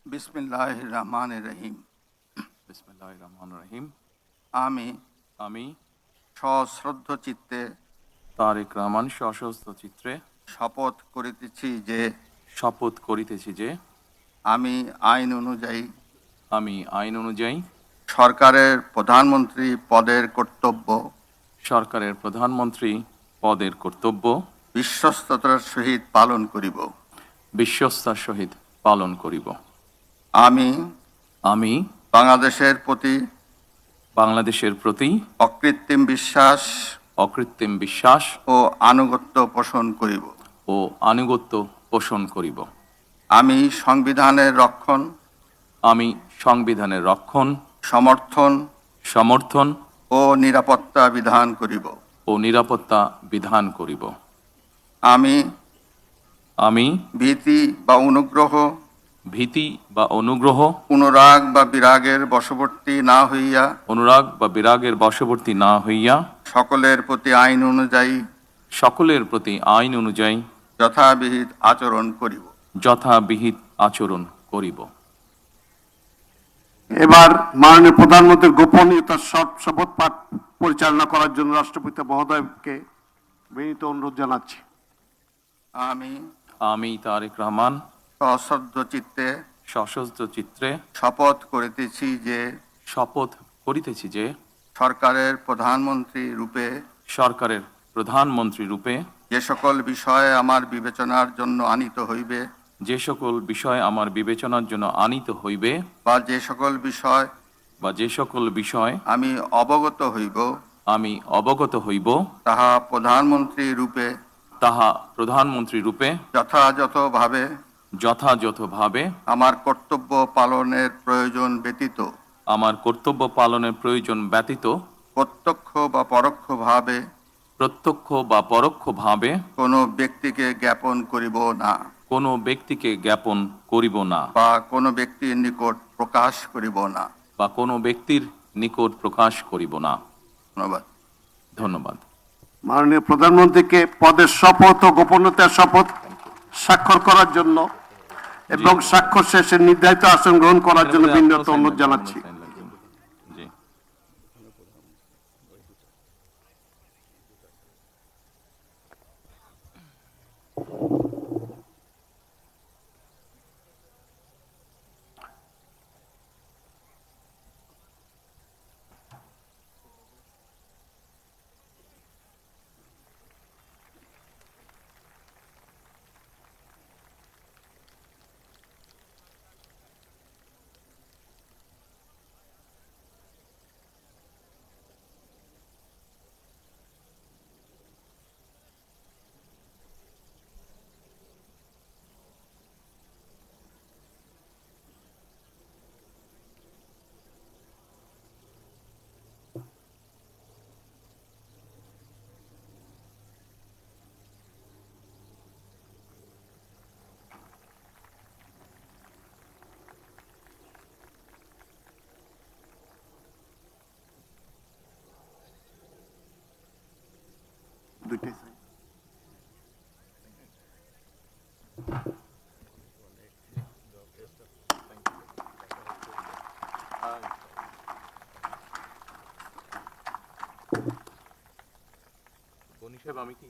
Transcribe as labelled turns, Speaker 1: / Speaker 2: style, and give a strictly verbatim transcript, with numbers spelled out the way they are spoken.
Speaker 1: বিসমিল্লাহির রহমানির রহিম।
Speaker 2: বিসমিল্লাহির রহমানির রহিম।
Speaker 1: আমি
Speaker 2: আমি
Speaker 1: সশ্রদ্ধ চিত্তে
Speaker 2: তারেক রহমান সশস্ত্র চিত্রে
Speaker 1: শপথ করিতেছি যে
Speaker 2: শপথ করিতেছি যে
Speaker 1: আমি আইন অনুযায়ী
Speaker 2: আমি আইন অনুযায়ী
Speaker 1: সরকারের প্রধানমন্ত্রী পদের কর্তব্য
Speaker 2: সরকারের প্রধানমন্ত্রী পদের কর্তব্য
Speaker 1: বিশ্বস্ততার সহিত পালন করিব।
Speaker 2: বিশ্বস্তার সহিত পালন করিব।
Speaker 1: আমি
Speaker 2: আমি
Speaker 1: বাংলাদেশের প্রতি
Speaker 2: বাংলাদেশের প্রতি
Speaker 1: অকৃত্রিম বিশ্বাস
Speaker 2: অকৃত্রিম বিশ্বাস
Speaker 1: ও আনুগত্য পোষণ করিব।
Speaker 2: ও আনুগত্য পোষণ করিব।
Speaker 1: আমি সংবিধানের রক্ষণ,
Speaker 2: আমি সংবিধানের রক্ষণ,
Speaker 1: সমর্থন
Speaker 2: সমর্থন
Speaker 1: ও নিরাপত্তা বিধান করিব।
Speaker 2: ও নিরাপত্তা বিধান করিব।
Speaker 1: আমি
Speaker 2: আমি
Speaker 1: ভীতি বা অনুগ্রহ,
Speaker 2: ভীতি বা অনুগ্রহ,
Speaker 1: অনুরাগ বা বিরাগের বশবর্তী না হইয়া
Speaker 2: অনুরাগ বা বিরাগের বশবর্তী না হইয়া
Speaker 1: সকলের প্রতি আইন অনুযায়ী
Speaker 2: সকলের প্রতি আইন অনুযায়ী
Speaker 1: যথাবিহিত আচরণ করিব।
Speaker 2: যথাবিহিত আচরণ করিব।
Speaker 3: এবার মাননীয় প্রধানমন্ত্রীর গোপনীয়তার সব শপথ পাঠ পরিচালনা করার জন্য রাষ্ট্রপতি মহোদয়কে বিনীত অনুরোধ জানাচ্ছি।
Speaker 1: আমি
Speaker 2: আমি তারেক রহমান
Speaker 1: সশ্রদ্ধ চিত্তে
Speaker 2: সশস্ত্র চিত্রে
Speaker 1: শপথ করিতেছি যে
Speaker 2: শপথ করিতেছি যে
Speaker 1: সরকারের প্রধানমন্ত্রী রূপে
Speaker 2: সরকারের প্রধানমন্ত্রী রূপে
Speaker 1: যে সকল বিষয়ে আমার বিবেচনার জন্য আনিত হইবে
Speaker 2: যে সকল বিষয় আমার বিবেচনার জন্য আনিত হইবে
Speaker 1: বা যে সকল বিষয়
Speaker 2: বা যে সকল বিষয়
Speaker 1: আমি অবগত হইব
Speaker 2: আমি অবগত হইব
Speaker 1: তাহা প্রধানমন্ত্রী রূপে
Speaker 2: তাহা প্রধানমন্ত্রী রূপে
Speaker 1: যথাযথভাবে
Speaker 2: যথাযথভাবে
Speaker 1: আমার কর্তব্য পালনের প্রয়োজন ব্যতীত
Speaker 2: আমার কর্তব্য পালনের প্রয়োজন ব্যতীত
Speaker 1: প্রত্যক্ষ বা পরোক্ষভাবে
Speaker 2: প্রত্যক্ষ বা পরোক্ষভাবে
Speaker 1: কোনো ব্যক্তিকে জ্ঞাপন করিব না
Speaker 2: কোনো ব্যক্তিকে জ্ঞাপন করিব না
Speaker 1: বা কোনো ব্যক্তির নিকট প্রকাশ করিব না।
Speaker 2: বা কোনো ব্যক্তির নিকট প্রকাশ করিব না।
Speaker 1: ধন্যবাদ।
Speaker 2: ধন্যবাদ।
Speaker 3: মাননীয় প্রধানমন্ত্রীকে পদের শপথ ও গোপনীয়তার শপথ স্বাক্ষর করার জন্য এবং স্বাক্ষর শেষে নির্ধারিত আসন গ্রহণ করার জন্য বিনীত অনুরোধ জানাচ্ছি।
Speaker 2: জি।
Speaker 3: দুইটাই
Speaker 2: গনি সাহেব, আমি কি